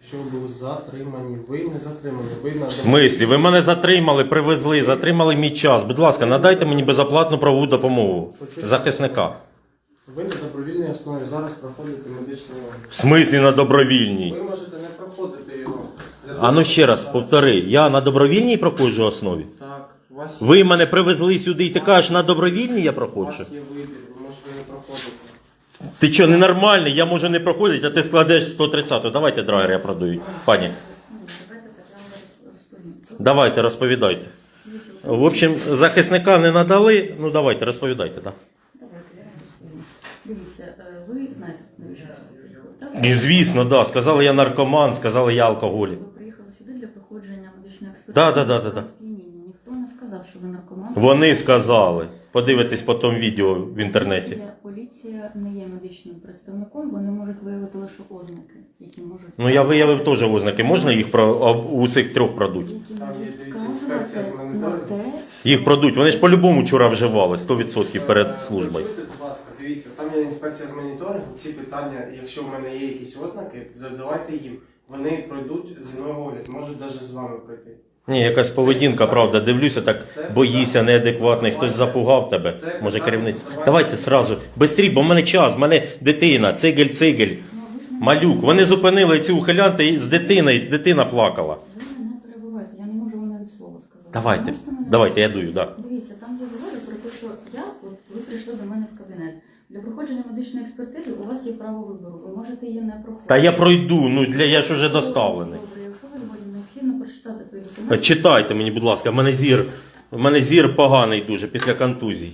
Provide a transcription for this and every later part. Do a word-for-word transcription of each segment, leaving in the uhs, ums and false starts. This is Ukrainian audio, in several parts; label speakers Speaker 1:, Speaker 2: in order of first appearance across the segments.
Speaker 1: Що ви були затримані, ви не затримані, ви на...
Speaker 2: В смислі? Ви мене затримали, привезли, затримали мій час. Будь ласка, надайте мені безоплатну правову допомогу захисника.
Speaker 1: Ви на добровільній основі зараз проходите медичний огляд.
Speaker 2: В смислі на добровільній?
Speaker 1: Ви можете не проходити його.
Speaker 2: А ну ще раз, повтори, я на добровільній проходжу основі?
Speaker 1: Так, у вас,
Speaker 2: Ви мене привезли сюди і ти кажеш, на добровільній я
Speaker 1: у
Speaker 2: проходжу?
Speaker 1: вас є вибір, ви можете не проходити.
Speaker 2: Ти що, ненормальний? Я можу не проходити, а ти складеш сто тридцяту. Давайте драгер я продаю, пані.
Speaker 3: Давайте так, я вам розповім.
Speaker 2: Давайте, розповідайте. В общем, захисника не надали, ну давайте, розповідайте, так.
Speaker 3: Давайте, я вам розповім. Дивіться, е, ви знаєте, навіщо ви приїхали, так?
Speaker 2: І звісно, да. Сказали, я наркоман, сказали, я алкоголік.
Speaker 3: Ви приїхали сюди для проходження медичної експертизи.
Speaker 2: Да, да, да, да, да.
Speaker 3: Сп'яніння. Ніхто не сказав, що ви наркоман.
Speaker 2: Вони сказали. Подивитесь потім відео в інтернеті.
Speaker 3: Поліція, поліція не є медичним представником, вони можуть виявити лише ознаки, які можуть...
Speaker 2: Ну я виявив теж ознаки. Можна їх про а у цих трьох продуть?
Speaker 3: Які
Speaker 1: Там є,
Speaker 3: можуть
Speaker 1: дивіться, інспекція з
Speaker 3: вказувати на
Speaker 1: моніторингу.
Speaker 3: те,
Speaker 2: Їх продуть. Вони ж по-любому вчора вживали, сто відсотків перед службою.
Speaker 1: Почуйте, будь ласка, дивіться, там є інспекція з моніторингу, ці питання, якщо в мене є якісь ознаки, задавайте їм. Вони пройдуть зі мною огляд, можуть навіть з вами пройти.
Speaker 2: Ні, якась поведінка, правда, дивлюся, так боїся, неадекватний, хтось запугав тебе, може керівництво. Давайте сразу, бистрій, бо в мене час, в мене дитина, цигель-цигель,
Speaker 3: ну, ви ж не-
Speaker 2: малюк. Вони зупинили ці ухилянти з дитиною, дитина плакала.
Speaker 3: Ви мене не перебувайте, я не можу вам навіть слова сказати.
Speaker 2: Давайте,
Speaker 3: Ви можете мене-
Speaker 2: давайте, я дую, так.
Speaker 3: Дивіться, там є згода про те, що я, от ви прийшли до мене в кабінет. Для проходження медичної експертизи у вас є право вибору. Ви можете її не проходити.
Speaker 2: Та я пройду, ну для я ж уже доставлений.
Speaker 3: Добре, якщо ви згодні, необхідно прочитати той документ.
Speaker 2: Читайте мені, будь ласка, в мене зір, в мене зір поганий дуже після контузій.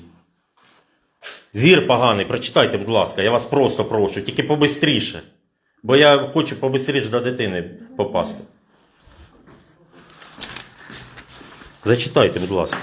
Speaker 2: Зір поганий, прочитайте, будь ласка, я вас просто прошу, тільки побистріше. Бо я хочу побистріше до дитини попасти. Зачитайте, будь ласка.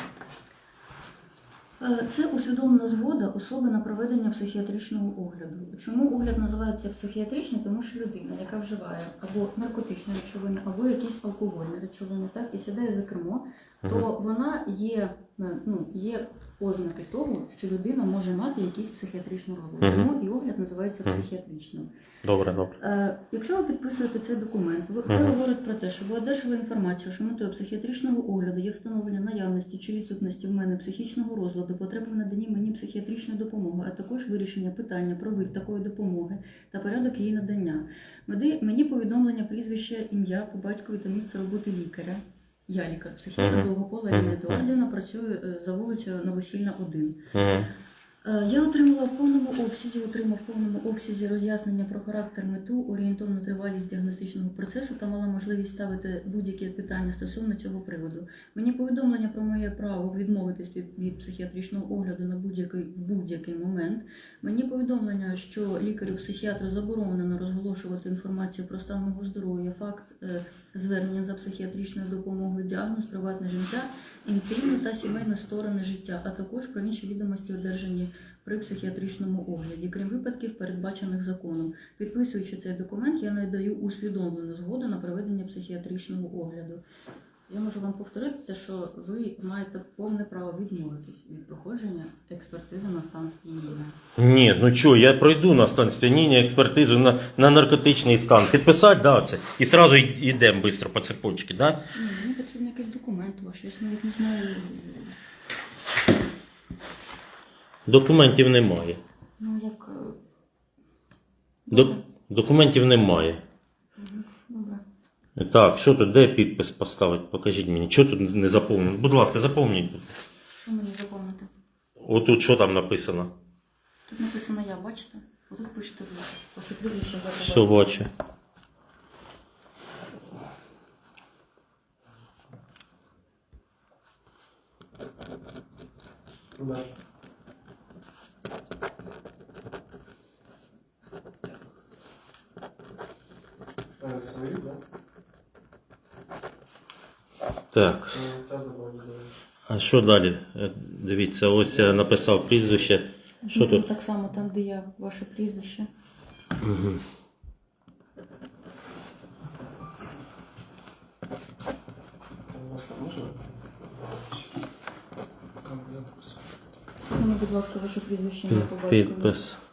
Speaker 3: Е, Це усвідомлена згода особи на проведення психіатричного огляду. Чому огляд називається психіатричний? Тому що людина, яка вживає або наркотичні речовини, або якісь алкогольні речовини, так, і сідає за кермо, то вона є, е, ну, є ознаки того, що людина може мати якийсь психіатричний розлад.
Speaker 2: Мгм.
Speaker 3: Тому і огляд називається
Speaker 2: Мгм.
Speaker 3: психіатричним.
Speaker 2: Добре, добре.
Speaker 3: Е, Якщо ви підписуєте цей документ, ви- це
Speaker 2: Мгм.
Speaker 3: говорить про те, що ви одержали інформацію, що метою психіатричного огляду є встановлення наявності чи відсутності в мене психічного розладу, потреби в наданні мені психіатричної допомоги, а також вирішення питання про вид такої допомоги та порядок її надання. Меди- Мені повідомлення прізвище, ім'я по батькові та місце роботи лікаря. Я лікар, психіатр
Speaker 2: Мгм.
Speaker 3: Довгопола
Speaker 2: Мгм.
Speaker 3: Ірина Едуардівна, працюю е, за вулицею Новосільна, один.
Speaker 2: Угу.
Speaker 3: Е, Я отримала в повному обсязі, отримав в повному обсязі роз'яснення про характер, мету, орієнтовну тривалість діагностичного процесу та мала можливість ставити будь-які питання стосовно цього приводу. Мені повідомлення про моє право відмовитись від, від психіатричного огляду на будь-який в будь-який момент. Мені повідомлення, що лікарю-психіатру заборонено розголошувати інформацію про стан мого здоров'я, факт е, звернення за психіатричною допомогою, діагноз, приватне життя, інтимні та сімейні сторони життя, а також про інші відомості, одержані при психіатричному огляді, крім випадків, передбачених законом. Підписуючи цей документ, я надаю усвідомлену згоду на проведення психіатричного огляду. Я можу вам повторити те, що ви маєте повне право відмовитись від проходження експертизи на стан сп'яніння.
Speaker 2: Ні, ну що, я пройду на стан сп'яніння, експертизу на, на наркотичний стан. Підписати, да, це. І одразу йдемо швидко по цепочці, да?
Speaker 3: Ні, мені потрібен якийсь документ ваш, я ж навіть не знаю.
Speaker 2: Документів немає.
Speaker 3: Ну, як... е,
Speaker 2: Док- документів немає.
Speaker 3: Мгм, добре.
Speaker 2: Так, що тут, де підпис поставити? Покажіть мені. Що тут не заповнено? Будь ласка, заповніть.
Speaker 3: Що мені заповнити?
Speaker 2: Отут що там написано?
Speaker 3: Тут написано я, бачите? Отут пишете ви. Ваше прізвище, дата
Speaker 2: Все
Speaker 3: народження.
Speaker 2: бачу.
Speaker 1: Да. Е, свої, да?
Speaker 2: Так,
Speaker 1: Ну, та добре, добре.
Speaker 2: а що далі? Е, Дивіться, ось я написав прізвище. Що
Speaker 3: Ну,
Speaker 2: тут?
Speaker 3: так само там, де я, ваше прізвище.
Speaker 2: Угу.
Speaker 1: Власне, можна? Щас. Компонент писати.
Speaker 3: Мені, будь ласка, ваше прізвище, ім'я по батькові.
Speaker 2: Підпис.